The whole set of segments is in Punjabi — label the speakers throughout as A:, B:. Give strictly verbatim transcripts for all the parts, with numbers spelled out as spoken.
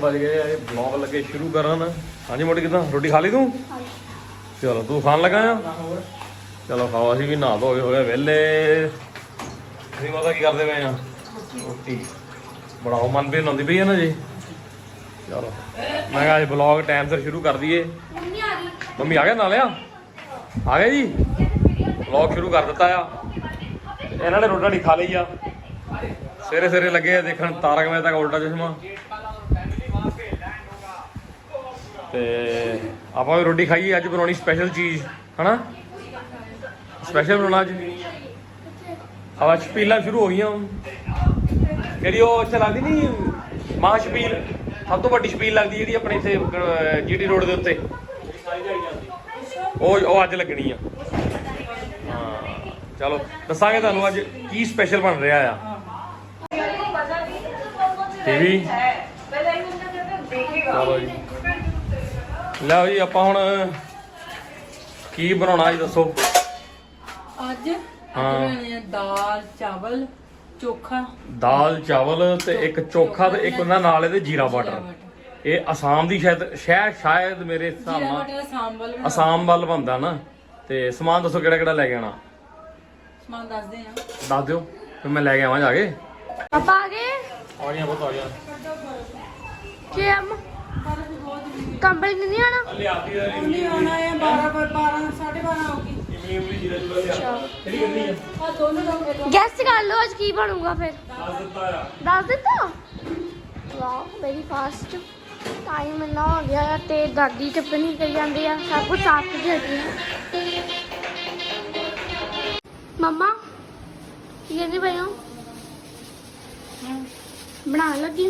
A: बज गए ब्लॉग लगे शुरू करन। हाँ जी मोटी कितना रोटी खा ली तू? चलो तू खान लगा आ? चलो खाओ असी भी नहा धो के हो गए वेले। असी माता की करते पे रोटी बनाओ मनप्रीत आती पई है ना जी। चलो मैं कहा ब्लॉग टाइम से शुरू कर दिए। मम्मी आ गया ना लिया आ गया जी। ब्लॉग शुरू कर दिता आ इन्होंने रोटी राटी खा ली आ। सवेरे सवेरे लगे देखन तारक मेहता का उल्टा चश्मा। ते आपां भी रोटी खाइए अज बनानी स्पैशल चीज़ है ना। स्पैशल बनाना अज अब छपीलां शुरू हो गई जी। वो इत्थे लगदी नहीं मां छपील सब तो वड्डी छपील लगदी जी अपने इत्थे जी टी रोड के उत्ते वो अज लगनी आ। हाँ चलो दसांगे तुहानूं अज की स्पैशल बन रहा आ। टीवी चलो जी लो जी आप हुण की बनाउणा जी दसो
B: अज दाल चावल चोखा
A: दाल चावल ते एक चोखा ते एक उन्हां नाल इहदे जीरा वाटर। ये असम दी शायद शायद शायद मेरे हिसाब नाल असम वाल बनदा ना। ते समान दसो किहड़ा किहड़ा लैके आना
B: समान दस दे
A: दस दिओ फिर मैं लैके आवां जाके।
C: पापा आ गए
A: आ गया बहुत आ गया
C: कि हम कंबल नहीं आना
A: ले आती है
B: नहीं आना है बारह बारह साढ़े बारह होगी।
A: इमली इमली जीरा जूरा ले आ किहड़ी करनी है
B: हां दोनों लोग
C: गैस कर लो आज की बनूंगा फिर
A: दस दिता आ
C: दस दिता। वाह वेरी फास्ट टाइम इन्ना हो गया है ते दादी टप्पनी करी जाती है सब कुछ साफ कर देती है। मम्मा ये नहीं भाई बना लगी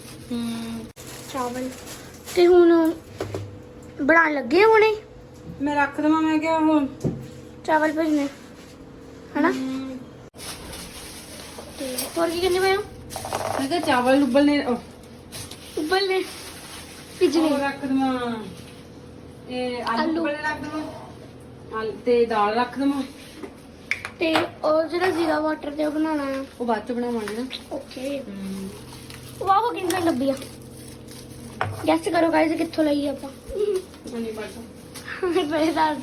C: चावल ते हुण बना लगे हुणे
B: मैं रख दवा मैं क्या हुण
C: चावल भेजने है ना। ते और की करने भाई
B: मैं क्या चावल उबलने
C: उबलने पिजने
B: रख दवा ए आलू उबलने रख दवा ते दाल रख दवा
C: ते और जेड़ा जीरा वाटर ते बनाना है
B: वो बाद च बनावांगे ना।
C: ओके वाह वो कितना लंबी है गैस करो गाइस कित्थों लई ਆਪਾਂ
B: नहीं पता
C: ਮੇਰੇ ਦੱਸ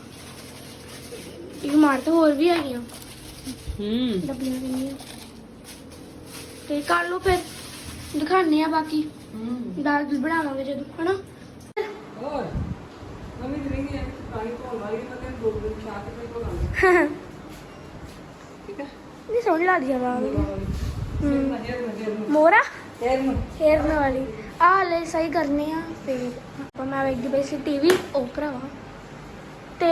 C: ਇਹ ਮਾਰ ਤਾਂ ਹੋਰ ਵੀ ਹੈਗੀਆਂ
B: हम्म
C: ਡੱਬੀਆਂ ਕਿੰਨੀਆਂ ਤੇ ਕਰ ਲਓ ਫਿਰ ਦਿਖਾਣੇ ਆ ਬਾਕੀ ਦਾਲ ਵੀ ਬਣਾਵਾਂਗੇ ਜਦੋਂ ਹਨਾ।
B: और मम्मी करेंगे पानी तो वाली मतलब दो दिन साथ में तो लाना ठीक है
C: ਨਹੀਂ ਸੋਹਣੀ ਲੱਗਦੀ ਆ ਦਾਲ
B: हम्म
C: ਮੋਰਾ
B: यार
C: हेरने वाली आ ले सही करने आ फिर ਆਪਾਂ ਮੈਂ ਵੇਖਦੀ ਪਈ ਸੀ ਟੀਵੀ ਉਹ ਭਰਾਵਾ ਤੇ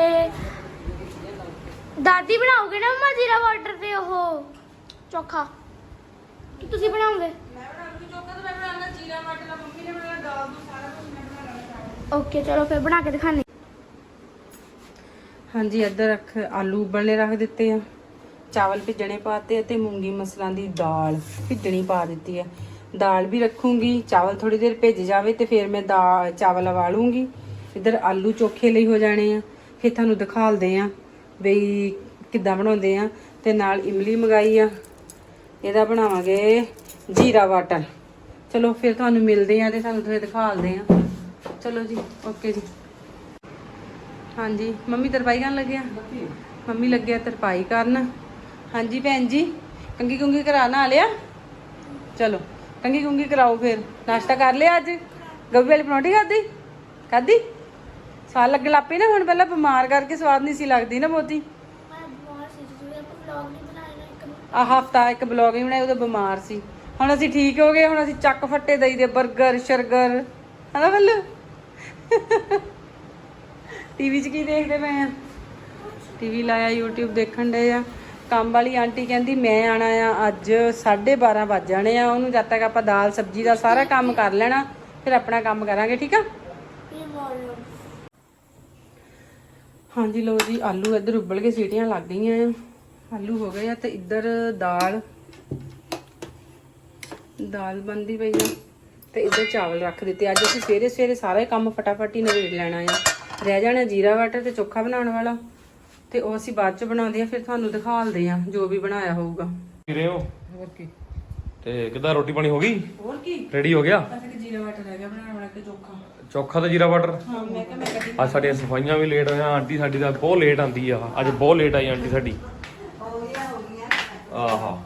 C: ਦਾਦੀ ਬਣਾਓਗੇ ਨਾ ਮਮਾ ਜੀਰਾ ਵਾਟਰ ਤੇ ਉਹ ਚੋਖਾ ਕਿ ਤੁਸੀਂ ਬਣਾਓਗੇ?
B: मैं बनाऊंगी चोखा तो मैं बनाना जीरा मटर मम्मी ने बनाना दाल तो सारा कुछ मैं बनाना।
C: ओके चलो फिर बना के दिखाने।
B: ਹਾਂਜੀ ਇੱਧਰ ਰੱਖ ਆਲੂ ਉਬਲਣੇ ਰੱਖ ਦਿੱਤੇ ਆ ਚਾਵਲ ਭਿੱਜਣੇ ਪਾਤੇ ਤੇ ਮੂੰਗੀ ਮਸਰਾਂ ਦੀ ਦਾਲ ਭਿੱਜਣੀ ਪਾ ਦਿੱਤੀ ਆ। दाल भी रखूंगी चावल थोड़ी देर भेज जावे तो फिर मैं दाल चावल लवा लूँगी। इधर आलू चोखे लिए हो जाने आ फिर थानू दिखालते हैं बई किद्दां बनाउंदे आ ते नाल इमली मंगाई आ इहदा बनावांगे जीरा वाटर। चलो फिर थानू मिलते हैं ते थानू थोड़े दिखालते हैं। चलो जी ओके जी। हाँ जी मम्मी तरपाई करन लगे मम्मी लगे तरपाई करन। हाँ जी भैन जी कंघी कुंघी करा ना लिया चलो कंघी कुंघी कराओ फिर नाश्ता कर लिया अज गोभी वाली परौंठी खाधी खाधी स्वाद लगे लग पई ना हुण पहला बीमार करके स्वाद नहीं सी लगती ना बहुती आ हफ्ता एक ब्लॉग ही बनाया उदों बीमार सी हुण असीं ठीक हो गए हुण असीं चक फट्टे दई दे बर्गर शर्गर है ना बल्लू टीवी च की देखते पे हैं टीवी लाया यूट्यूब देखण डे आ। काम वाली आंटी कहती मैं आना आ अज साढ़े बारह बज जाने आ उन्होंने जब तक आप दाल सब्जी का सारा काम कर लेना फिर अपना काम करांगे ठीक है। हाँ जी लो जी आलू इधर उबल के सीटियां लग गई हैं आलू हो गए तो इधर दाल दाल बनती पई है तो इधर चावल रख दिते। अज असीं सवेरे सवेरे सारा काम फटाफट ही नवेड़ लेना है रह जाना जीरा वाटर ते चोखा बनाने वाला ਤੇ ਉਹ ਅਸੀਂ ਬਾਅਦ ਚ ਬਣਾਉਂਦੇ ਆ ਫਿਰ ਤੁਹਾਨੂੰ ਦਿਖਾਲਦੇ ਆ ਜੋ ਵੀ ਬਣਾਇਆ ਹੋਊਗਾ।
A: ਰਹੇ ਹੋ
B: ਹੋਰ ਕੀ
A: ਤੇ ਕਿੱਦਾਂ ਰੋਟੀ ਪਾਣੀ ਹੋ ਗਈ
B: ਹੋਰ ਕੀ
A: ਰੈਡੀ ਹੋ ਗਿਆ
B: ਅਸੀਂ ਜੀਰਾ ਵਾਟਰ ਹੈਗਾ ਬਣਾਉਣ ਵਾਲਾ ਤੇ ਚੋਖਾ
A: ਚੋਖਾ ਤੇ ਜੀਰਾ ਵਾਟਰ।
B: ਹਾਂ ਮੈਂ ਕਿਹਾ ਮੈਂ ਕਦੀ
A: ਅੱਜ ਸਾਡੀਆਂ ਸਫਾਈਆਂ ਵੀ ਲੇਟ ਹੋਈਆਂ। ਆਂਟੀ ਸਾਡੀ ਦਾ ਬਹੁਤ ਲੇਟ ਆਂਦੀ ਆ, ਅੱਜ ਬਹੁਤ ਲੇਟ ਆਈ ਆਂਟੀ ਸਾਡੀ। ਆਹਾ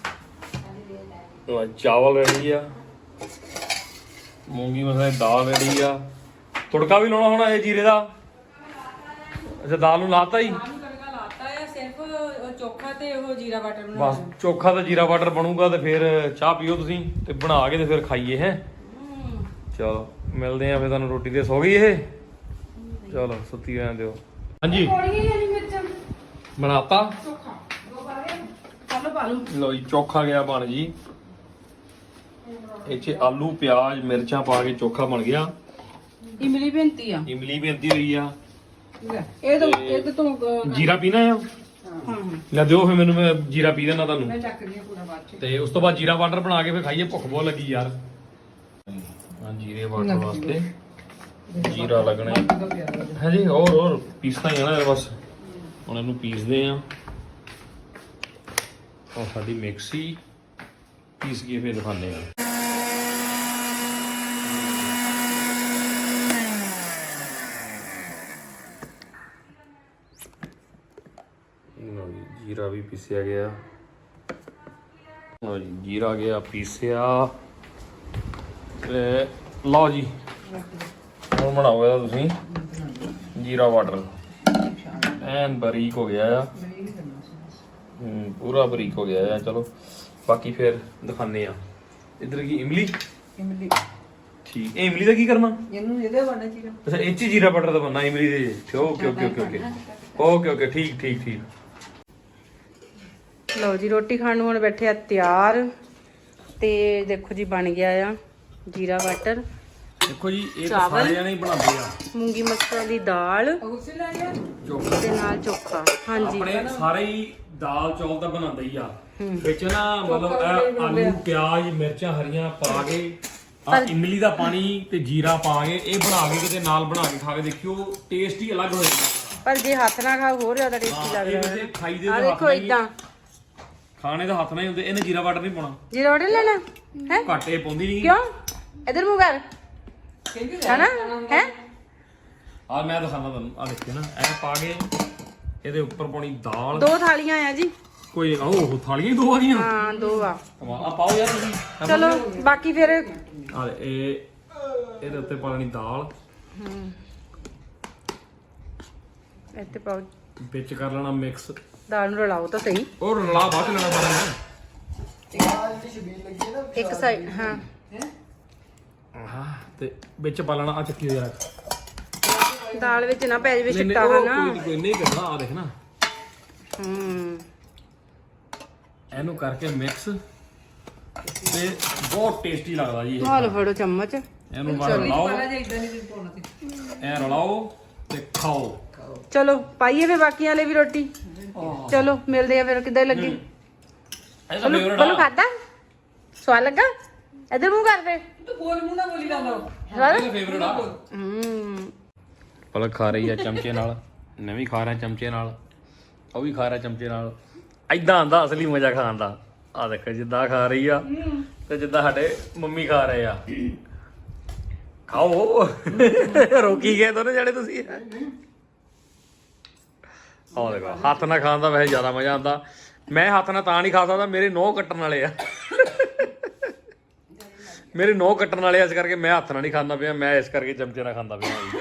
A: ਉਹ ਚਾਵਲ ਰੈਡੀ ਆ, ਮੂੰਗੀ ਮਸਰਾਂ ਦੀ ਦਾਲ ਰੈਡੀ ਆ। ਤੁੜਕਾ ਵੀ ਲਾਉਣਾ ਹੋਣਾ ਇਹ ਜੀਰੇ ਦਾ। ਅੱਛਾ ਦਾਲ ਨੂੰ ਲਾਤਾ ਹੀ,
B: ਤੜਕਾ ਲਾਤਾ ਆ, ਸਿਰਫ ਉਹ ਚੋਖਾ ਤੇ ਉਹ ਜੀਰਾ ਵਾਟਰ
A: ਬਸ
B: ਬਣਾਉਣਾ।
A: ਚੋਖਾ ਤੇ ਜੀਰਾ ਵਾਟਰ ਬਣੂਗਾ ਤੇ ਫਿਰ ਚਾਹ ਪੀਓ ਤੁਸੀਂ ਤੇ ਬਣਾ ਕੇ ਤੇ ਫਿਰ ਖਾਈਏ ਹੈ। ਚਲੋ ਮਿਲਦੇ ਆ ਫਿਰ ਤੁਹਾਨੂੰ। ਰੋਟੀ ਤੇ ਸੋ ਗਈ ਇਹ, ਚਲੋ ਸੁੱਤੀ ਰਹਿਣ ਦਿਓ। ਹਾਂਜੀ ਬਣਾਤਾ
B: ਚੋਖਾ ਦੋ ਬਾਰੇ ਆਲੂ ਪਾ ਲਓ।
A: ਲੋ ਜੀ ਚੋਖਾ ਗਿਆ ਬਣ ਜੀ। ਇਹ 'ਚ ਆਲੂ ਪਿਆਜ਼ ਮਿਰਚਾਂ ਪਾ ਕੇ ਚੋਖਾ ਬਣ ਗਿਆ।
B: ਇਮਲੀ ਬੇਨਤੀ ਆ,
A: ਇਮਲੀ ਬੇਨਤੀ ਹੋਈ ਆ।
B: ਇਹ ਤੋਂ ਇਹ ਤੋਂ ਅਹ,
A: ਜੀਰਾ ਪੀਣਾ ਆ,
B: ਹਾਂ
A: ਲੈ ਦਿਓ ਫਿਰ ਮੈਨੂੰ, ਮੈਂ ਜੀਰਾ ਪੀ ਦੇਣਾ ਤੁਹਾਨੂੰ।
B: ਮੈਂ ਚੱਕਦੀ ਆ ਪੂਰਾ ਬਾਅਦ ਚ।
A: ਤੇ ਉਸ ਤੋਂ ਬਾਅਦ ਜੀਰਾ ਵਾਟਰ ਬਣਾ ਕੇ ਫਿਰ ਖਾਈਏ, ਭੁੱਖ ਬਹੁਤ ਲੱਗੀ ਯਾਰ। ਹਾਂ ਜੀਰੇ ਵਾਟਰ ਵਾਸਤੇ ਜੀਰਾ ਲੱਗਣਾ ਹੈ ਜੀ। ਹੋਰ ਹੋਰ ਪੀਸਣਾ ਹੀ ਆ ਨਾ ਬਸ। ਹੁਣ ਇਹਨੂੰ ਪੀਸਦੇ ਆ। ਉਹ ਸਾਡੀ ਮਿਕਸੀ ਪੀਸ ਕੇ ਫਿਰ ਦਿਖਾਉਂਦੇ ਆ। ਲਓ ਜੀ ਜੀਰਾ ਵੀ ਪੀਸਿਆ ਗਿਆ। ਲਓ ਜੀ ਜੀਰਾ ਗਿਆ ਪੀਸਿਆ ਤੇ ਲਓ ਜੀ ਹੁਣ ਬਣਾਓ ਇਹਦਾ ਤੁਸੀਂ ਜੀਰਾ ਵਾਟਰ। ਐਨ ਬਰੀਕ ਹੋ ਗਿਆ ਆ, ਹੂੰ ਪੂਰਾ ਬਰੀਕ ਹੋ ਗਿਆ ਆ। ਚਲੋ ਬਾਕੀ ਫਿਰ ਦਿਖਾਉਂਦੇ ਆ। ਇਧਰ ਕੀ ਇਮਲੀ
B: ਇਮਲੀ
A: ਠੀਕ। ਇਹ ਇਮਲੀ ਦਾ ਕੀ ਕਰਨਾ?
B: ਇਹਨੂੰ ਇਹਦੇ ਬਣਨਾ ਜੀਰਾ।
A: ਅੱਛਾ ਇਹ 'ਚ ਹੀ ਜੀਰਾ ਵਾਟਰ ਦਾ ਬਣਨਾ ਇਮਲੀ ਦੇ। Okay okay okay okay okay okay ਠੀਕ ਠੀਕ ਠੀਕ।
B: ਲਓ ਜੀ ਰੋਟੀ ਖਾਣ ਨੂੰ ਹੁਣ ਬੈਠੇ ਆ ਤਿਆਰ। ਤੇ ਦੇਖੋ ਜੀ ਬਣ ਗਿਆ ਆ ਜੀਰਾ ਵਾਟਰ,
A: ਦੇਖੋ ਜੀ ਇਹ ਤਾਂ
B: ਚਾਵਲ।
A: ਸਾਰੇ ਜਣੇ ਹੀ ਬਣਾਉਂਦੇ ਆ।
B: ਮੂੰਗੀ ਮਸਰਾਂ ਦੀ ਦਾਲ
A: ਚੋਖਾ
B: ਤੇ ਨਾਲ ਚੋਖਾ। ਹਾਂਜੀ
A: ਆਪਣੇ ਸਾਰੇ ਹੀ ਦਾਲ ਚੌਲ ਤਾਂ ਬਣਾਉਂਦੇ ਹੀ ਆ। ਵਿੱਚ ਨਾ ਮਤਲਬ ਇਹ ਆਲੂ ਪਿਆਜ਼ ਮਿਰਚਾਂ ਹਰੀਆਂ ਪਾ ਕੇ ਆ ਇਮਲੀ ਦਾ ਪਾਣੀ ਤੇ ਜੀਰਾ ਪਾ ਕੇ ਇਹ ਬਣਾ ਕੇ ਕਿਤੇ ਨਾਲ ਬਣਾ ਕੇ ਖਾ ਕੇ ਦੇਖਿਓ, ਟੇਸਟ ਹੀ ਅਲੱਗ ਹੋ ਜਾਂਦਾ।
B: ਪਰ ਜੇ ਹੱਥ ਨਾਲ ਖਾਓ ਹੋਰ ਜ਼ਿਆਦਾ ਟੇਸਟੀ
A: ਹਾਂ, ਇਹ
B: ਲੱਗਦਾ
A: ਵੈਸੇ ਖਾਈ ਦੇ
B: ਆ।
A: ਤਾਂ
B: ਦੇਖੋ
A: ਹੱਥ ਨਾਲ ਹੀ-
B: ਇਦਾਂ
A: ਖਾਣੇ ਦਾ ਹੱਥ ਨਾਲ ਹੀ ਹੁੰਦੇ। ਇਹਨੇ ਜੀਰਾ ਵਾਟਰ ਨਹੀਂ ਪਾਉਣਾ,
B: ਜੀਰਾ ਵਾਟਰ ਲੈਣਾ ਹੈ।
A: ਘੱਟ ਇਹ ਪਾਉਂਦੀ ਨਹੀਂ।
B: ਕਿਉਂ ਇਧਰ ਮੂੰਹ ਕਰ ਹੈਨਾ ਹੈ।
A: ਆ ਮੈਂ ਦਿਖਾਣਾ ਤੁਹਾਨੂੰ, ਆ ਦੇਖਿਓ ਨਾ ਐ ਪਾ ਕੇ ਇਹਦੇ ਉੱਪਰ ਪਾਉਣੀ ਦਾਲ।
B: ਦੋ ਥਾਲੀਆਂ ਆ ਜੀ।
A: ਕੋਈ ਉਹ ਥਾਲੀਆਂ ਹੀ ਦੋ ਆ ਗਈਆਂ।
B: ਹਾਂ ਦੋ ਆ।
A: ਆ ਪਾਓ ਯਾਰ ਤੁਸੀਂ।
B: ਚਲੋ ਬਾਕੀ ਫਿਰ
A: ਆ ਇਹ ਇਹਦੇ ਉੱਤੇ ਪਾਣੀ ਦਾਲ,
B: ਹਮ ਇੱਥੇ ਪਾਓ
A: ਵਿੱਚ ਕਰ ਲੈਣਾ ਮਿਕਸ।
B: ਦਾਲ ਨੂੰ ਰਲਾਓ ਤਾਂ ਸਹੀ।
A: ਔਰ ਰਲਾ ਬਾਅਦ ਚ ਲੈਣਾ ਸਾਰਾ।
B: ਇੱਕ ਸਾਈਡ ਹਾਂ
A: ਹਾਂ ਤੇ ਵਿੱਚ ਪਾ ਲੈਣਾ ਆ ਚੱਕੀ ਯਾਰ।
B: ਦਾਲ ਵਿੱਚ ਨਾ ਪੈ ਜਾਵੇ
A: ਨਹੀਂ,
B: ਛਿੱਟਾ
A: ਉਹ
B: ਹਨਾ।
A: ਕੋਈ ਕੋਈ ਨਹੀਂ ਕਰਨਾ। ਆ ਦੇਖ ਨਾ
B: ਹੂੰ
A: ਇਹਨੂੰ ਕਰਕੇ ਮਿਕਸ ਤੇ ਬਹੁਤ ਟੇਸਟੀ ਲੱਗਦਾ ਜੀ ਇਹ।
B: ਹਾਲ ਫੜੋ ਚਮਚ।
A: ਇਹਨੂੰ ਬਾਹਰ ਰਲਾਓ, ਐ ਰਲਾਓ ਤੇ ਖਾਓ।
B: ਚਲੋ ਪਾਈਏ ਫੇ ਬਾਕੀਆਂ ਵਾਲੇ ਵੀ ਰੋਟੀ। ਚਲੋ ਮਿਲਦੇ ਆ ਫਿਰ ਕਿੱਦਾਂ ਲੱਗੀ।
A: ਇਹਦਾ
B: ਬੋਲੂ
A: ਫੇਵਰਟ
B: ਬੋਲੂ
A: ਆ।
B: ਖਾਦਾ ਸਵਾਦ ਲੱਗਾ। ਇਧਰ ਮੂੰਹ ਕਰ ਫੇ।
D: ਤੂੰ ਬੋਲ ਮੂੰਹ ਨਾ ਬੋਲੀ ਜਾਂਦਾ।
A: ਇਹਦਾ ਫੇਵਰਟ ਆ।
B: ਹੂੰ
A: ਪਲਕ ਖਾ ਰਹੀ ਆ ਚਮਚੇ ਨਾਲ, ਮੈਂ ਵੀ ਖਾ ਰਿਹਾ ਚਮਚੇ ਨਾਲ, ਉਹ ਵੀ ਖਾ ਰਿਹਾ ਚਮਚੇ ਨਾਲ। ਐਦਾਂ ਆਂਦਾ ਅਸਲੀ ਮਜ਼ਾ ਖਾਣ ਦਾ। ਆ ਦੇਖੋ ਜਿੱਦਾਂ ਖਾ ਰਹੀ ਆ ਤੇ ਜਿੱਦਾਂ ਸਾਡੇ ਮੰਮੀ ਖਾ ਰਹੇ ਆ। ਖਾਓ ਰੋਕੀ ਗਏ ਦੋਨੇ ਜਿਹੜੇ ਤੁਸੀਂ। ਆਹ ਦੇਖੋ ਹੱਥ ਨਾਲ ਖਾਣ ਦਾ ਵੈਸੇ ਜ਼ਿਆਦਾ ਮਜ਼ਾ ਆਉਂਦਾ। ਮੈਂ ਹੱਥ ਨਾਲ ਤਾਂ ਨਹੀਂ ਖਾ ਸਕਦਾ, ਮੇਰੇ ਨੋਹ ਕੱਟਣ ਵਾਲੇ ਆ। ਮੇਰੇ ਨੋਹ ਕੱਟਣ ਵਾਲੇ ਆ, ਇਸ ਕਰਕੇ ਮੈਂ ਹੱਥ ਨਾਲ ਨਹੀਂ ਖਾਂਦਾ ਪਿਆ। ਮੈਂ ਇਸ ਕਰਕੇ ਚਮਚੇ ਨਾਲ ਖਾਂਦਾ ਪਿਆ।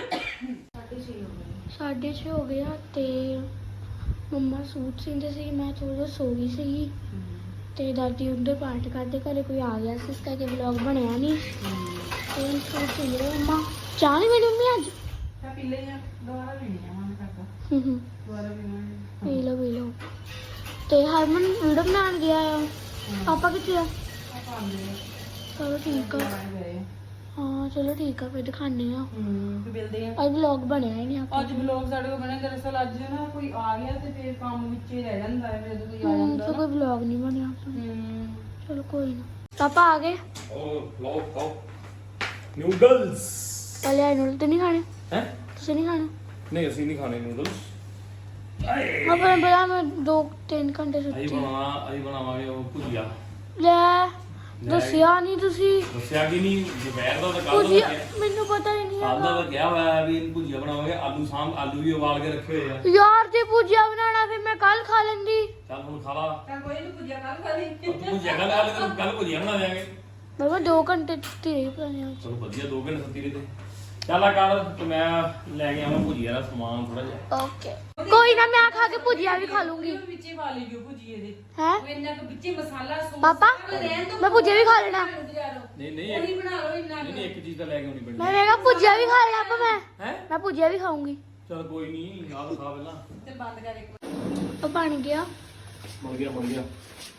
C: ਸਾਢੇ ਛੇ ਹੋ ਗਿਆ ਤੇ ਮੰਮਾ ਸੂਟ ਸੀਂਦੇ ਸੀ, ਮੈਂ ਥੋੜਾ ਸੋ ਗਈ ਸੀ ਤੇ ਦਾਦੀ ਉੱਧਰ ਪਾਠ ਕਰਦੇ, ਘਰੇ ਕੋਈ ਆ ਗਿਆ ਸੀ, ਇਸ ਕਰਕੇ ਵਲੌਗ ਬਣਿਆ ਨਹੀਂ। ਤੇ ਹੁਣ ਸੂਟ ਸੀ ਰਹੇ ਮੰਮਾ। ਚਾਹ ਨਹੀਂ ਮੇਰੀ ਮੰਮੀ ਅੱਜ
B: ਪੀ ਲਈ ਆ ਦੁਬਾਰਾ ਵੀ ਨਹੀਂ ਆਵਾਂ ਕਰਦਾ।
C: ਹੂੰ ਹੂੰ
B: ਦੁਬਾਰਾ ਵੀ ਨਹੀਂ।
C: ਪੀ ਲਓ ਪੀ ਲਓ। ਤੇ ਹਰਮਨ ਵੀਡੀਓ ਬਣਾਉਣ ਗਿਆ ਆ। ਪਾਪਾ ਕਿੱਥੇ ਆ? ਚਲੋ ਠੀਕ ਆ। ਹਾਂ ਚਲੋ ਠੀਕ ਆ, ਫਿਰ ਦਿਖਾਉਂਦੇ ਆ।
B: ਹੂੰ ਤੇ ਮਿਲਦੇ ਆ।
C: ਅੱਜ ਵਲੌਗ ਬਣਿਆ ਹੀ ਨਹੀਂ ਆਪਾਂ।
B: ਅੱਜ ਵਲੌਗ ਸਾਡੇ ਕੋਲ ਬਣਿਆ। ਦਰਅਸਲ ਅੱਜ ਨਾ ਕੋਈ ਆ ਗਿਆ ਤੇ ਫਿਰ ਕੰਮ ਵਿੱਚ ਹੀ ਰਹਿ ਜਾਂਦਾ ਹੈ ਜਦੋਂ ਕੋਈ ਆ
C: ਹੂੰ
B: ਜਾਂਦਾ
C: ਤਾਂ
B: ਨਾ।
C: ਕੋਈ ਵਲੌਗ ਨਹੀਂ ਬਣਿਆ ਆਪਣਾ।
B: ਹੂੰ
C: ਚਲੋ ਕੋਈ ਨਾ। ਪਾਪਾ ਆ ਗਏ।
A: ਉਹ ਲਓ ਖਾਓ ਨੂਡਲਸ।
C: ਪਹਿਲੇ ਆਏ ਨੂਡਲ ਤੇ ਨਹੀਂ ਖਾਣੇ?
A: ਹੈ
C: ਤੁਸੀਂ ਨਹੀਂ ਖਾਣੇ?
A: ਨਹੀਂ ਅਸੀਂ ਨਹੀਂ ਖਾਣੇ ਨੂਡਲਸ।
C: ਆਪਾਂ ਬੜਾ ਮੈਂ ਦੋ ਤਿੰਨ ਘੰਟੇ
A: ਅਸੀਂ
C: ਸੁੱਤੀ।
A: ਬਣਾਵਾ ਅਸੀਂ ਬਣਾਵਾਂਗੇ ਉਹ ਭੁਜੀਆ।
C: ਲੈ ਦੱਸਿਆ ਨਹੀਂ ਤੁਸੀਂ
A: ਦੱਸਿਆ ਕਿ ਨਹੀਂ ਦੁਪਹਿਰ ਦਾ ਤਾਂ ਕੱਲ ਦਾ
C: ਭੁਜੀਆ
A: ਕਿਹਾ
C: ਮੈਨੂੰ ਪਤਾ ਹੀ ਨਹੀਂ
A: ਕੱਲ ਦਾ
C: ਹੈਗਾ
A: ਤਾਂ ਕਿਹਾ ਹੋਇਆ ਵੀ ਇਹਨੂੰ ਭੁਜੀਆ ਬਣਾਵਾਂਗੇ ਆਲੂ ਸਾਂਭ ਆਲੂ ਵੀ ਉਬਾਲ ਕੇ ਰੱਖੇ ਹੋਏ ਆ
C: ਯਾਰ ਜੇ ਭੁਜੀਆ ਬਣਾਉਣਾ ਫਿਰ ਮੈਂ ਕੱਲ ਖਾ ਲੈਂਦੀ
A: ਚੱਲ ਹੁਣ ਖਾ ਲਾ
B: ਚੱਲ ਕੋਈ ਨਹੀਂ ਪੁੱਜਿਆ ਕੱਲ ਖਾ ਲਈ
A: ਤੂੰ ਭੁਜੀਆ ਖਾ ਲੈ ਕੱਲ ਕੱਲ ਭੁਜੀਆ ਬਣਾ ਦੇਾਂਗੇ
C: ਬਾਬਾ ਦੋ ਘੰਟੇ ਤੇ ਹੀ ਪਏ
A: ਚਲੋ ਵਧੀਆ ਦੋ ਘੰਟੇ ਸੱਤੀ ਤੇ ਚੱਲ ਆ ਕਰ ਤੇ ਮੈਂ ਲੈ ਕੇ ਆਵਾਂ ਭੁਜੀਆ ਦਾ ਸਮਾਨ ਥੋੜਾ ਜਿਹਾ
C: ਓਕੇ ਕੋਈ ਨਾ ਮੈਂ ਖਾ ਕੇ ਭੁਜੀਆ ਵੀ ਖਾ ਲੂੰਗੀ
B: ਵਿੱਚੇ ਪਾ ਲਈਓ ਭੁਜੀਏ ਦੇ
C: ਹੈ
B: ਉਹ ਇੰਨਾ ਕੁ ਵਿੱਚੇ ਮਸਾਲਾ ਸੌਸ
C: ਪਾਪਾ
B: ਰਹਿਣ ਦੋ
C: ਮੈਂ ਭੁਜੀਆ ਵੀ ਖਾ ਲੈਣਾ
A: ਨਹੀਂ ਨਹੀਂ
B: ਉਹੀ ਬਣਾ ਲਓ ਇੰਨਾ
A: ਨਹੀਂ ਨਹੀਂ ਇੱਕ ਚੀਜ਼ ਤਾਂ ਲੈ ਕੇ ਆਉਣੀ ਪੈਣੀ
C: ਮੈਂ ਵੇਗਾ ਭੁਜੀਆ ਵੀ ਖਾ ਲੈਣਾ ਪਾਪਾ ਮੈਂ
A: ਹੈ
C: ਮੈਂ ਭੁਜੀਆ ਵੀ ਖਾਊਂਗੀ
A: ਚਲ ਕੋਈ ਨਹੀਂ ਆਪ ਖਾ ਪਹਿਲਾਂ
B: ਤੇ ਬੰਦ ਕਰ ਇੱਕ ਵਾਰ
C: ਉਹ ਬਣ ਗਿਆ
A: ਬਣ ਗਿਆ ਬਣ ਗਿਆ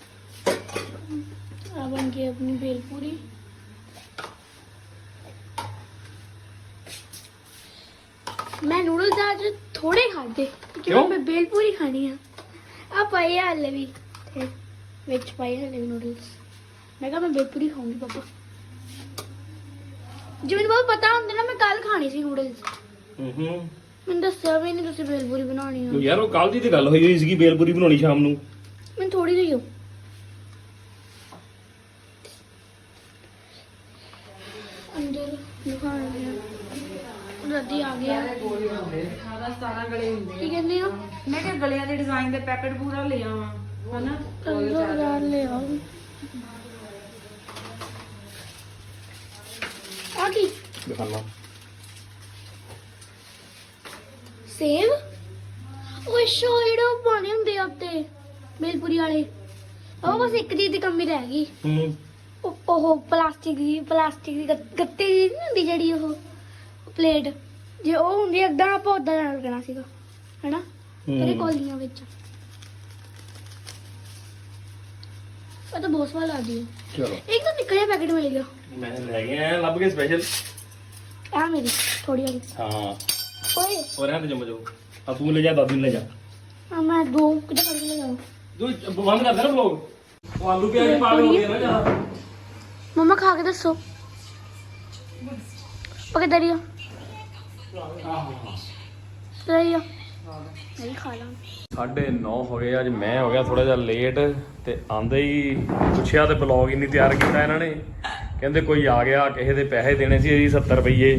C: ਆ ਬਣ ਗਈ ਆਪਣੀ ਭੇਲ ਪੂਰੀ ਮੈਂ ਨੂਡਲਸ ਅੱਜ ਥੋੜੇ ਖਾਦੇ
A: ਕਿਉਂ?
C: ਕਿਉਂ ਮੈਂ ਭੇਲ ਪੂਰੀ ਖਾਣੀ ਆ ਆ ਪਾਏ ਆ ਹਲੇ ਵੀ ਤੇ ਵਿੱਚ ਪਾਏ ਹਲੇ ਵੀ ਨੂਡਲਸ ਮੈਂ ਕਿਹਾ ਮੈਂ ਭੇਲ ਪੂਰੀ ਖਾਊਂਗੀ ਪਾਪਾ ਜੇ ਮੈਨੂੰ ਬਾਬਾ ਪਤਾ ਹੁੰਦਾ ਨਾ ਮੈਂ ਕੱਲ ਖਾਣੀ ਸੀ ਨੂਡਲਸ
A: ਹੂੰ ਹੂੰ
C: ਮੈਨੂੰ ਦੱਸਿਆ ਵੀ ਨਹੀਂ ਤੁਸੀਂ ਭੇਲ ਪੂਰੀ ਬਣਾਉਣੀ ਆ
A: ਯਾਰ ਉਹ ਕੱਲ ਦੀ ਤੇ ਗੱਲ ਹੋਈ ਹੋਈ ਸੀਗੀ ਬੇਲਪੂਰੀ ਬਣਾਉਣੀ ਸ਼ਾਮ ਨੂੰ
C: ਮੈਨੂੰ ਥੋੜੀ ਜਿਹੀ ਅੰਦਰ ਦਿਖਾਉਣੀ ਆ ਰੱਦੀ ਆ ਗਿਆ
B: ਅਠਾਰਾਂ ਸਤਾਰਾਂ ਗਲੇ ਹੁੰਦੇ
C: ਕੀ ਕਹਿੰਦੇ ਹੋ
B: ਮੈਂ ਕਿਹਾ ਗਲਿਆਂ ਦੇ ਡਿਜ਼ਾਈਨ ਦੇ ਪੈਕਟ ਪੂਰਾ ਲੈ ਆਵਾਂ ਹਨਾ
C: ਪੰਦਰਾਂ ਹਜ਼ਾਰ ਲੈ ਆਓ ਆ ਕੀ
A: ਦਿਖਾਣਾ
C: ਸੇਬ ਉਹ ਸ਼ੋ ਜਿਹੜੇ ਪਾਣੇ ਹੁੰਦੇ ਆ ਉੱਤੇ ਬੇਲਪੁਰੀ ਵਾਲੇ ਉਹ ਬਸ ਇੱਕ ਚੀਜ਼ ਦੀ ਕਮੀ ਰਹਿ ਗਈ
A: ਹੂੰ
C: ਉਹ ਉਹ ਪਲਾਸਟਿਕ ਦੀ ਪਲਾਸਟਿਕ ਦੀ ਗੱਤ- ਗੱਤੇ ਦੀ ਨਹੀਂ ਹੁੰਦੀ ਜਿਹੜੀ ਉਹ ਪਲੇਟ ਜੇ ਉਹ ਹੁੰਦੀ ਏਦਾਂ ਆਪਾਂ ਉਦਾਂ ਨਾਲ ਕਰਨਾ ਸੀਗਾ ਹੈਨਾ ਤੇਰੇ ਕੋਲੀਆਂ ਵਿੱਚ ਉਹ ਤਾਂ ਬਹੁਤ ਸਵਾਦ ਲੱਗਦੀ ਹੈ
A: ਚਲੋ
C: ਇੱਕ ਤਾਂ ਨਿੱਕਾ ਜਿਹਾ ਪੈਕੇਟ ਮਿਲ ਗਿਆ
A: ਮੈਂ ਲੈ ਕੇ ਆਇਆ ਲੱਭ ਕੇ ਸਪੈਸ਼ਲ
C: ਆ ਮੇਰੀ ਥੋੜੀ ਵਾਲੀ
A: ਹਾਂ
C: ਓਏ
A: ਹੋਰ ਇਹਨਾਂ ਤੇ ਜੰਮ ਜਾਓ ਆ ਤੂੰ ਲੈ ਜਾ ਦਾਦੂ ਨੂੰ ਲੈ ਜਾ
C: ਆ ਮੈਂ ਦੋ ਕਿੱਦਾਂ ਫੜ ਕੇ ਲੈ ਜਾਵਾਂ
A: ਤੂੰ ਬੰਦ ਕਰ ਦੇ ਨਾ ਵਲੋਗ ਉਹ ਆਲੂ ਪਿਆਜ਼ ਪਾ ਕੇ ਹੋ ਗਿਆ ਨਾ ਜਿਆਦਾ
C: ਮਮਾ ਖਾ ਕੇ ਦੱਸੋ ਪਕੇ ਦਰੀਆ ਸਹੀ ਆ ਨਹੀਂ ਖਾ ਲਾਂ
A: ਸਾਢੇ ਨੌ ਹੋ ਗਏ ਅੱਜ ਮੈਂ ਹੋ ਗਿਆ ਥੋੜਾ ਜਿਹਾ ਲੇਟ ਤੇ ਆਂਦੇ ਹੀ ਪੁੱਛਿਆ ਤੇ ਬਲੌਗ ਹੀ ਨਹੀਂ ਤਿਆਰ ਕੀਤਾ ਇਹਨਾਂ ਨੇ ਕਹਿੰਦੇ ਕੋਈ ਆ ਗਿਆ ਕਿਸੇ ਦੇ ਪੈਸੇ ਦੇਣੇ ਸੀ ਜੀ ਸੱਤਰ ਰੁਪਏ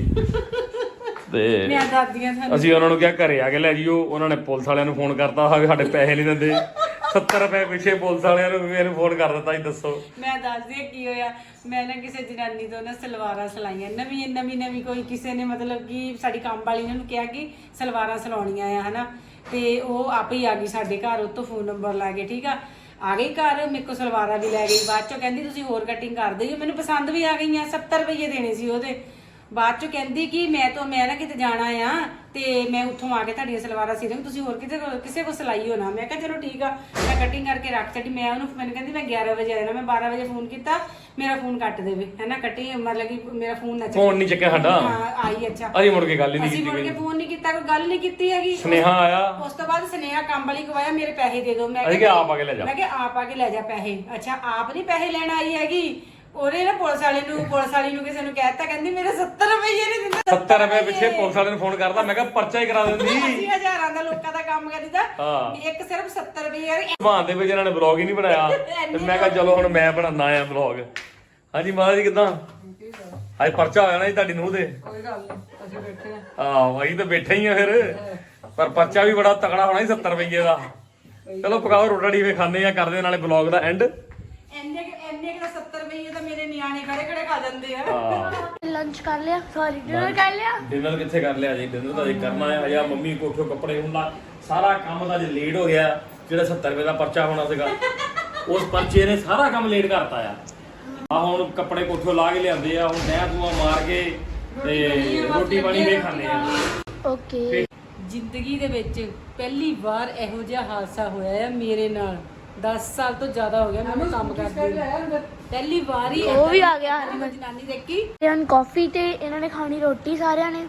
A: ਤੇ
B: ਮੈਂ ਦਾਦੀਆਂ ਸਾਨੂੰ
A: ਅਸੀਂ ਉਹਨਾਂ ਨੂੰ ਕਿਹਾ ਘਰੇ ਆ ਕੇ ਲੈ ਜਿਓ ਉਹਨਾਂ ਨੇ ਪੁਲਿਸ ਵਾਲਿਆਂ ਨੂੰ ਫੋਨ ਕਰਤਾ ਹਾਂ ਵੀ ਸਾਡੇ ਪੈਸੇ ਨਹੀਂ ਦਿੰਦੇ ਸੱਤਰ ਰੁਪਏ ਪਿੱਛੇ ਪੁਲਿਸ ਵਾਲਿਆਂ ਨੂੰ ਮੈਨੂੰ ਫੋਨ ਕਰ ਦਿੱਤਾ ਜੀ ਦੱਸੋ
B: ਮੈਂ ਦੱਸਦੀ ਹਾਂ ਕੀ ਹੋਇਆ ਮੈਂ ਨਾ ਕਿਸੇ ਜਨਾਨੀ ਤੋਂ ਨਾ ਸਲਵਾਰਾਂ ਸਿਲਾਈਆਂ ਨਵੀਂ ਨਵੀਂ ਨਵੀਂ ਕੋਈ ਕਿਸੇ ਨੇ ਮਤਲਬ ਕਿ ਸਾਡੀ ਕੰਮ ਵਾਲੀ ਨੇ ਉਹਨੂੰ ਕਿਹਾ ਕਿ ਸਲਵਾਰਾਂ ਸਿਲਾਉਣੀਆਂ ਆ ਹਨਾ ਤੇ ਉਹ ਆਪੇ ਹੀ ਆ ਗਈ ਸਾਡੇ ਘਰ ਉਹ ਤੋਂ ਫੋਨ ਨੰਬਰ ਲਾ ਕੇ ਠੀਕ ਆ ਆ ਗਈ ਘਰ ਮੇਰੇ ਕੋਲ ਸਲਵਾਰਾਂ ਵੀ ਲੈ ਗਈ ਬਾਅਦ ਚੋਂ ਕਹਿੰਦੀ ਤੁਸੀਂ ਹੋਰ ਕਟਿੰਗ ਕਰ ਦਿਓ ਮੈਨੂੰ ਪਸੰਦ ਵੀ ਆ ਗਈਆਂ ਸੱਤਰ ਰੁਪਏ ਦੇਣੇ ਸੀ ਉਹਦੇ ਬਾਅਦ ਚੋਂ ਕਹਿੰਦੀ ਕਿ ਮੈਂ ਤਾਂ ਮੈਂ ਨਾ ਕਿਤੇ ਜਾਣਾ ਆ ਤੇ ਮੈਂ ਉੱਥੋਂ ਆ ਕੇ ਤੁਹਾਡੀਆਂ ਸਲਵਾਰਾਂ ਸੀ ਦੂੰ ਤੁਸੀਂ ਹੋਰ ਕਿਤੇ ਕਿਸੇ ਕੋ ਸਿਲਾਈ ਹੋ ਨਾ ਮੈਂ ਕਿਹਾ ਚਲੋ ਠੀਕ ਆ ਮੈਂ ਕਟਿੰਗ ਕਰਕੇ ਰੱਖ ਛੱਡੀ ਮੈਂ ਉਹਨੂੰ ਮੈਨੂੰ ਕਹਿੰਦੀ ਮੈਂ ਗਿਆਰਾਂ ਵਜੇ ਆਣਾ ਮੈਂ ਬਾਰਾਂ ਵਜੇ ਫੋਨ ਕੀਤਾ ਮੇਰਾ ਫੋਨ ਕੱਟ ਦੇਵੇ ਹੈਨਾ ਕੱਟੀ ਮਤਲਬ ਕਿ ਮੇਰਾ ਫੋਨ ਨਾ ਚੱਕੇ
A: ਫੋਨ ਨਹੀਂ ਚੱਕਿਆ ਸਾਡਾ
B: ਹਾਂ ਆਈ ਅੱਛਾ
A: ਅਸੀਂ ਮੁੜ ਕੇ ਗੱਲ ਹੀ ਨਹੀਂ
B: ਅਸੀਂ ਮੁੜ
A: ਕੀਤੀ
B: ਕੇ ਫੋਨ ਨਹੀਂ ਕੀਤਾ ਕੋਈ ਗੱਲ ਨਹੀਂ ਕੀਤੀ ਹੈਗੀ
A: ਸੁਨੇਹਾ ਆਇਆ
B: ਉਸ ਤੋਂ ਬਾਅਦ ਸੁਨੇਹਾ ਕੰਮ ਵਾਲੀ ਕਵਾਇਆ ਮੇਰੇ ਪੈਸੇ ਦੇ ਦਿਓ ਮੈਂ
A: ਅਸੀਂ ਕਿਹਾ ਆਪ ਆ ਕੇ ਲੈ ਜਾ
B: ਮੈਂ ਕਿਹਾ ਆਪ ਆ ਕੇ ਲੈ ਜਾ ਪੈਸੇ ਅੱਛਾ ਆਪ ਨਹੀਂ ਪੈਸੇ ਲੈਣ ਆਈ ਹੈਗੀ ਉਹਨੇ ਨਾ ਪੁਲਿਸ ਵਾਲੇ ਨੂੰ ਪੁਲਿਸ ਵਾਲੀ ਨੂੰ ਕਿਸੇ ਨੂੰ ਕਹਿਤਾ ਕਹਿੰਦੀ ਮੇਰੇ ਸੱਤਰ ਰੁਪਏ ਨਹੀਂ ਦਿੰਦਾ
A: ਸੱਤਰ ਰੁਪਏ ਪਿੱਛੇ ਪੁਲਿਸ ਵਾਲੇ ਨੂੰ ਫੋਨ ਕਰਦਾ ਮੈਂ ਕਿਹਾ ਪਰਚਾ ਹੀ ਕਰਾ ਦਿੰਦੀ
B: ਅਸੀਂ ਹਜ਼ਾਰਾਂ ਦਾ ਲੋਕਾਂ ਦਾ ਕੰਮ ਕਰੀਦਾ
A: ਹਾਂ
B: ਵੀ ਇੱਕ ਸਿਰਫ ਸੱਤਰ ਰੁਪਏ ਯਾਰ
A: ਭਾਂ ਦੇ ਵਿੱਚ ਇਹਨਾਂ ਨੇ ਬਲੌਗ ਹੀ ਨਹੀਂ ਬਣਾਇਆ ਤੇ ਮੈਂ ਕਿਹਾ ਚਲੋ ਹੁਣ ਮੈਂ ਬਣਾਉਣਾ ਆ ਬਲੌਗ ਹਾਂਜੀ ਮਾਤਾ ਜੀ ਕਿਦਾਂ ਅੱਜ ਪਰਚਾ ਹੋਇਆ ਨਾ ਜੀ ਤੁਹਾਡੀ ਨੂੰਹ ਦੇ
B: ਕੋਈ ਗੱਲ ਨਹੀਂ ਅਸੀਂ ਬੈਠੇ ਆ
A: ਆਹ ਅਸੀਂ ਤਾਂ ਬੈਠੇ ਹੀ ਆ ਫਿਰ ਪਰ ਪਰਚਾ ਵੀ ਬੜਾ ਤਕੜਾ ਹੋਣਾ ਸੀ ਸੱਤਰ ਰੁਪਏ ਦਾ ਚਲੋ ਪਕਾਓ ਰੋਟੀ ਵੇ ਖਾਣੇ ਆ ਕਰਦੇ ਨਾਲੇ ਬਲੌਗ ਦਾ ਐਂਡ
B: ਇੰਨੇ ਇੰਨੇ ਕਿ ਸੱਤਰ ਰੁਪਏ ਤਾਂ ਮੇਰੇ ਨਿਆਣੇ ਖੜੇ ਖੜੇ ਖਾ ਜਾਂਦੇ ਆ
A: ਹਾਂ
C: ਲੰਚ ਕਰ ਲਿਆ ਸੌਰੀ ਡਿਨਰ ਕਰ ਲਿਆ
A: ਡਿਨਰ ਕਿੱਥੇ ਕਰ ਲਿਆ ਜੀ ਡਿਨਰ ਤਾਂ ਅਜੇ ਕਰਨਾ ਹੈ ਹਜਾ ਮੰਮੀ ਕੋਠੋਂ ਕੱਪੜੇ ਹੁੰਦਾ ਸਾਰਾ ਕੰਮ ਤਾਂ ਜੇ ਲੇਟ ਹੋ ਗਿਆ ਜਿਹੜਾ ਸੱਤਰ ਰੁਪਏ ਦਾ ਪਰਚਾ ਹੋਣਾ ਸੀਗਾ ਉਸ ਪਰਚੇ ਨੇ ਸਾਰਾ ਕੰਮ ਲੇਟ ਕਰਤਾ ਆ ਆ ਹੁਣ ਕੱਪੜੇ ਕੋਠੋਂ ਲਾ ਕੇ ਲਿਆਂਦੇ ਆ ਹੁਣ ਨਹਿ ਧੂਆ ਮਾਰ ਕੇ ਤੇ ਰੋਟੀ ਪਾਣੀ ਵੀ ਖਾਣੇ ਆ
C: ਓਕੇ
B: ਜ਼ਿੰਦਗੀ ਦੇ ਵਿੱਚ ਪਹਿਲੀ ਵਾਰ ਇਹੋ ਜਿਹਾ ਹਾਦਸਾ ਹੋਇਆ ਹੈ ਮੇਰੇ ਨਾਲ ਦਸ ਸਾਲ ਤੋਂ ਜ਼ਿਆਦਾ ਹੋ ਗਿਆ ਮੈਨੂੰ ਕੰਮ ਕਰਦੇ ਨੂੰ। ਪਹਿਲੀ ਵਾਰ ਹੀ
C: ਉਹ ਵੀ ਆ ਗਿਆ
B: ਮੈਂ ਜਨਾਨੀ ਦੇਖੀ
C: ਤੇ ਹੁਣ ਕਾਫੀ ਤੇ ਇਹਨਾਂ ਨੇ ਖਾਣੀ ਰੋਟੀ ਸਾਰਿਆਂ ਨੇ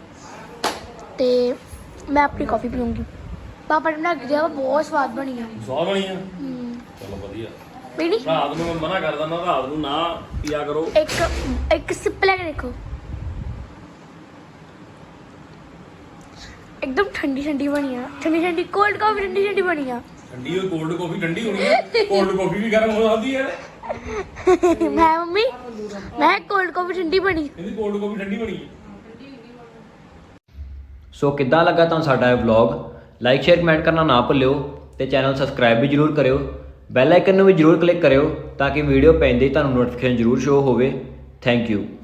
C: ਤੇ ਮੈਂ ਆਪਣੀ ਕਾਫੀ ਪੀਉਂਗੀ ਪਾਪਾ ਨੇ ਬਣਾ ਕੇ ਦਿਆ ਵਾ, ਬਹੁਤ ਸਵਾਦ ਬਣੀ ਆ
A: ਸਵਾਦ ਬਣੀ ਆ
C: ਹਮ,
A: ਚਲੋ ਵਧੀਆ
C: ਬੀੜੀ
A: ਰਾਤ ਨੂੰ ਮੈਂ ਮਨਾ ਕਰ ਦਿੰਦਾ ਰਾਤ ਨੂੰ ਨਾ ਪੀਆ ਕਰੋ
C: ਇੱਕ ਇੱਕ ਸਿਪ ਲੈ ਕੇ ਦੇਖੋ एकदम ठंडी ठंडी बनी है ठंडी ठंडी कोल्ड कॉफी ठंडी ठंडी बनी है
A: ਠੰਡੀ ਹੋਈ ਕੋਲਡ ਕਾਫੀ ਠੰਡੀ ਹੋਣੀ ਹੈ ਕੋਲਡ ਕਾਫੀ ਵੀ ਗਰਮ ਹੋ ਜਾਂਦੀ ਹੈ
C: ਮੈਂ ਮੰਮੀ ਮੈਂ ਕੋਲਡ ਕਾਫੀ ਠੰਡੀ ਬਣੀ
A: ਇਹਦੀ ਕੋਲਡ ਕਾਫੀ ਠੰਡੀ ਬਣੀ।
D: ਸੋ ਕਿੱਦਾਂ ਲੱਗਾ ਤੁਹਾਨੂੰ ਸਾਡਾ ਇਹ ਵਲੌਗ? ਲਾਈਕ ਸ਼ੇਅਰ ਕਮੈਂਟ ਕਰਨਾ ਨਾ ਭੁੱਲਿਓ ਤੇ ਚੈਨਲ ਸਬਸਕ੍ਰਾਈਬ ਵੀ ਜਰੂਰ ਕਰਿਓ। ਬੈਲ ਆਈਕਨ ਨੂੰ ਵੀ ਜਰੂਰ ਕਲਿੱਕ ਕਰਿਓ ਤਾਂ ਕਿ ਵੀਡੀਓ ਪੈਂਦੇ ਹੀ ਤੁਹਾਨੂੰ ਨੋਟੀਫਿਕੇਸ਼ਨ ਜਰੂਰ ਸ਼ੋ ਹੋਵੇ। Thank you.